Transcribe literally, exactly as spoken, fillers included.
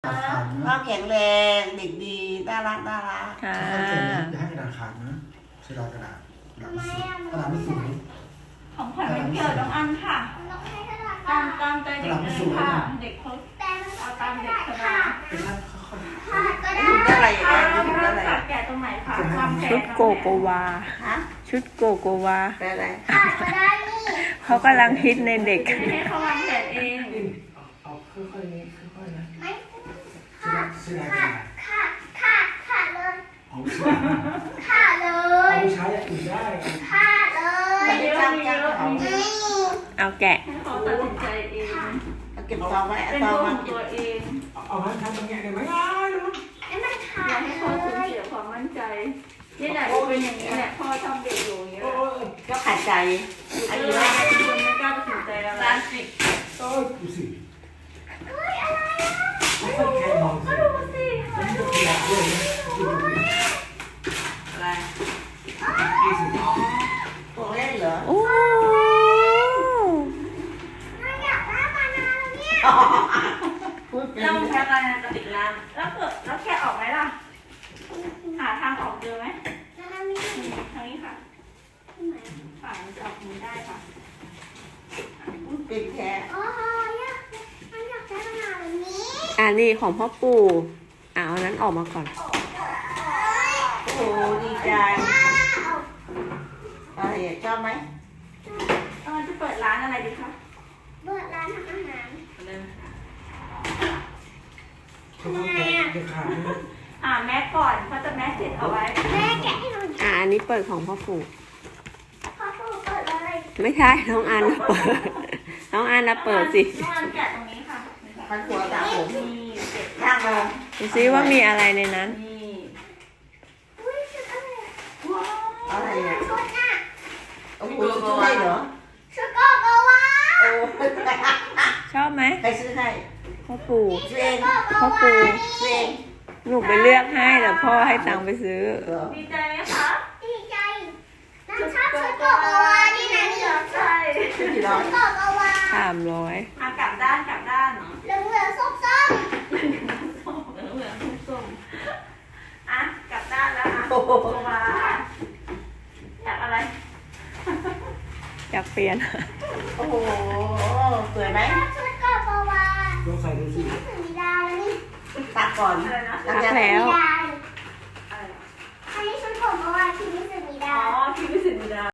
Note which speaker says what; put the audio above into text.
Speaker 1: พ่อแข็งแรงเด็กดีน่ารักน่ารัก
Speaker 2: ค่ะ
Speaker 3: อย่าให้กระดาษขาดนะเสียดายกระดาษกระดาษไม่สวยกระดาษไม่สวย
Speaker 4: ของขวัญวันเกิดน้องอันค่ะตามตามใจเด็กเลยค่ะเด็กเขาเอาตามเด็กสบาย
Speaker 3: เป็นท่านค่อย
Speaker 1: ถูกได้อะไรอย่าง
Speaker 4: เอา
Speaker 1: เงี้ย
Speaker 4: แล้ว
Speaker 1: ถูก
Speaker 4: เรา
Speaker 1: ได้อะไร
Speaker 4: ตัดแกะตรงไหนคะความแกะ
Speaker 2: ชุดโกโกวา
Speaker 1: ฮะ
Speaker 2: ชุดโกโกวา
Speaker 1: ได้อะไร
Speaker 2: เขากำลังฮิตในเด็ก
Speaker 4: ให้เขาวางแผนเอง
Speaker 3: ๆเอาค่อยๆค่อยๆนะเสียดายกระดาษ
Speaker 5: ขาดขาดขาดเลย
Speaker 3: เอาไปใช้
Speaker 5: ขาดเล
Speaker 3: เอา
Speaker 5: ย
Speaker 3: ไปใช้อย่างอื่นได้
Speaker 5: ขาดเลย
Speaker 4: มีเยอะมีเยอะมีเยอะ
Speaker 2: เอาแกะ
Speaker 4: ให้เขาตัดสินใจเอง
Speaker 1: เอาเก็บซองไว้เอา
Speaker 4: เป็น
Speaker 1: ซอง
Speaker 4: ตัวข
Speaker 1: มา
Speaker 4: องตัวเอง
Speaker 3: เอาไว้ทำตรงนี้ได้ไหมง่ายเลยมั้ง
Speaker 5: ไอ้มันขา
Speaker 4: อยา
Speaker 5: ด
Speaker 4: กให้
Speaker 5: เล
Speaker 4: เขาสูญ
Speaker 5: ย
Speaker 4: เสียความมั่นใจนี่แหละเป็นอย่างนี้แหละพ่อทำเด็กอยู่อย่างนี้แห
Speaker 3: โอ้
Speaker 4: ละ
Speaker 3: ย
Speaker 1: ก็ขัดใจ
Speaker 4: อั
Speaker 1: อั
Speaker 4: น
Speaker 1: น
Speaker 4: นี้
Speaker 1: นี้
Speaker 4: ว่า
Speaker 1: ว่า
Speaker 4: คนไม่กล้าตัดสินใจอะไร
Speaker 1: ร้านสิบ
Speaker 3: โอ้ยดูสิ
Speaker 5: เฮ้ยอะไรอ่ะ
Speaker 3: ไม่ค่อยแคร์มองสิแล้วนี่ก็ขยับด้วยนะดูดิ
Speaker 1: อะไร
Speaker 3: ดูสิ
Speaker 1: ตัวเล่นเหรอ
Speaker 2: โอ้
Speaker 5: มันอยากได้มานานแล้วเนี่ย
Speaker 1: พูดเป็น
Speaker 4: เราแค่อะไรนะกระติกน้ำแล้วเกิดแล้วแค่ออกไหมล่ะหาทางออกเจอไหม
Speaker 5: แล้วมี
Speaker 4: ทางนี้ค่ะฝ่ามันจะออกมือได้ค่ะ
Speaker 1: พูดเป็นแค่
Speaker 5: โอ้ยอยากมันอยากได้มานานแบบนี้
Speaker 2: อันนี้ของพ่อปู่เอาอันนั้นออกมาก่อน
Speaker 1: โอ้โหดีใจอะไรอ่ะชอบไหม
Speaker 4: เออจะเปิดร้านอะไรดีคะ
Speaker 5: เปิดร้านทำอาหาร
Speaker 4: เริ่ม
Speaker 3: เขาต้องแกะเด็กขาดนะ
Speaker 4: อ่าแมสก่อนเพราะจะแมสติดเอาไว้
Speaker 5: แม่แกะให้หน่อย
Speaker 2: อ่าอันนี้เปิดของพ่อปู่
Speaker 5: พ่อปู่เปิดเลย
Speaker 2: ไม่ใช่น้องอันนะเปิด น้องอันนะเปิดสิ
Speaker 4: น้องอันแกะตรงนี้ค่ะ
Speaker 1: พันหัวสาวผม
Speaker 4: นี่เก็บ
Speaker 1: ย่างลง
Speaker 2: ดูซิว่ามีอะไรในนั้น
Speaker 4: นี่
Speaker 5: อุ้ยชุดอะไรอ่ะ
Speaker 4: ว้าว
Speaker 1: อะไรอ่ะ
Speaker 5: ชุดน่ะ
Speaker 1: โอ้โหซื้อให้เหรอ
Speaker 5: ชุดโกโกวา
Speaker 1: โอ้
Speaker 2: ชอบไหม
Speaker 1: ใครซื้อให้
Speaker 2: พ่อปู่
Speaker 1: ซื้อเอง
Speaker 2: พ่อปู่
Speaker 1: ซื้อเอง
Speaker 2: หนูไปเลือกให้แต่พ่อให้ตังค์ไปซื้อ
Speaker 1: เหรอ
Speaker 4: ดีใจไหมคะ
Speaker 5: ดีใจน้ำชอบชุดโกโกวานี่นะนี่เหรอ
Speaker 4: ใช่
Speaker 1: ซื้อกี่ร้อย
Speaker 5: โกโกวา
Speaker 2: สามร้อย
Speaker 4: อ่ะกลับด้านกลับด้าน
Speaker 5: เหลืองเหลืองส้มส้ม
Speaker 4: ส้มเหลืองเหลืองส้มอ่ะกลับด้านแล้วอ่ะ
Speaker 1: โอ้โห
Speaker 4: ตัวมาอยากอะไร
Speaker 2: อยากเปลี่ยน
Speaker 1: โอ้โหสวยไหม
Speaker 5: ชุดโกโกวา
Speaker 3: ลองใส่ดูสิ
Speaker 5: นี่ถึงมีดาวแล้วนี่
Speaker 1: ตักก่อน
Speaker 4: อะไรนะ
Speaker 2: ตักแล้ว
Speaker 5: มีดาว
Speaker 4: อะไรนะ
Speaker 5: อันนี้ชุดโกโกวาที่นี่ถึงมี
Speaker 4: อ๋
Speaker 5: ดา
Speaker 4: อ
Speaker 5: ว
Speaker 4: พี่วิสิตบุญดา